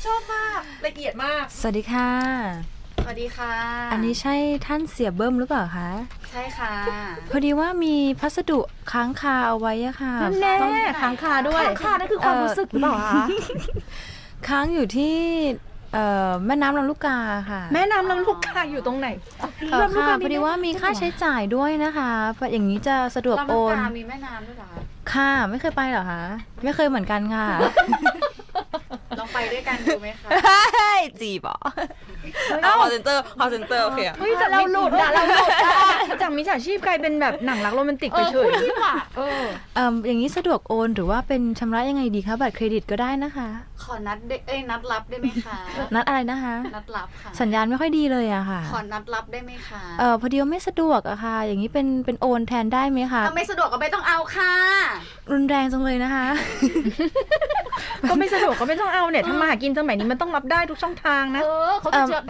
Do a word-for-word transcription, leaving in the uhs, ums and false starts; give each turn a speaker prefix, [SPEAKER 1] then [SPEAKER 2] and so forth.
[SPEAKER 1] ชอบมากละเอียดมาก
[SPEAKER 2] สวัสดีค่ะ
[SPEAKER 3] สวัสดีค่ะ
[SPEAKER 2] อันนี้ใช่ท่านเสียเบิ้มหรือเปล่าคะ
[SPEAKER 3] ใช่ค่ะ
[SPEAKER 2] พอดีว่ามีพัสดุค้างคาเอาไว้อะค่ะ
[SPEAKER 1] แน่
[SPEAKER 2] ต้อง
[SPEAKER 1] ค้างคาด้วยค้างคานั่นคือความรู้สึกหรือเปล่าคะ
[SPEAKER 2] ค้างอยู่ที่เอ่อแม่น้ำลำลูกกาค่ะ
[SPEAKER 1] แม่น้ำลำลูกกาอยู่ตรงไหน
[SPEAKER 2] เออค่ะพอดีว่ามีค่าใช้จ่ายด้วยนะคะอย่างนี้จะสะดวก
[SPEAKER 3] ลำ
[SPEAKER 2] โอ
[SPEAKER 3] ลูก
[SPEAKER 2] น
[SPEAKER 3] กามีแม่น้ำด้วยเหรอคะ
[SPEAKER 2] ค่ะไม่เคยไปเหรอคะไม่เคยเหมือนกันค่ะ
[SPEAKER 3] ลองไปด้วยกันดูไหมคะ
[SPEAKER 2] จีบอ่ะ
[SPEAKER 4] เอาคอเซนเตอร์คอเซนเตอร์โอเคอะ
[SPEAKER 1] เฮ้ยแต่เราหลุดอะเราหลุดอะจากมิจฉาชีพกลายเป็นแบบหนังรักโรแมนติกไปเฉยเออ
[SPEAKER 2] เอ่ออย่างนี้สะดวกโอนหรือว่าเป็นชำระยังไงดีคะบัตรเครดิตก็ได้นะคะ
[SPEAKER 3] ขอนัดได้เอ้ยนัดรับได้ไหมคะ
[SPEAKER 2] นัดอะไรนะคะ
[SPEAKER 3] นัดรับค่ะ
[SPEAKER 2] สัญญาณไม่ค่อยดีเลยอะค่ะ
[SPEAKER 3] ขอนัดรับได้ไหมคะ
[SPEAKER 2] เออพอดีว่าไม่สะดวกอะค่ะ อย่างนี้เป็นเป็นโอนแทนได้ไหมคะ
[SPEAKER 3] ถ้าไม่สะดวกก็ไม่ต้องเอาค่ะ
[SPEAKER 2] รุนแรงจังเลยนะคะ
[SPEAKER 1] ก็ไม่สะดวกก็ไม่ต้องเอาเนี่ยทำมาหากินสมัยนี้มันต้องรับได้ทุกช่องทางนะ
[SPEAKER 5] เออเขาจะเจอ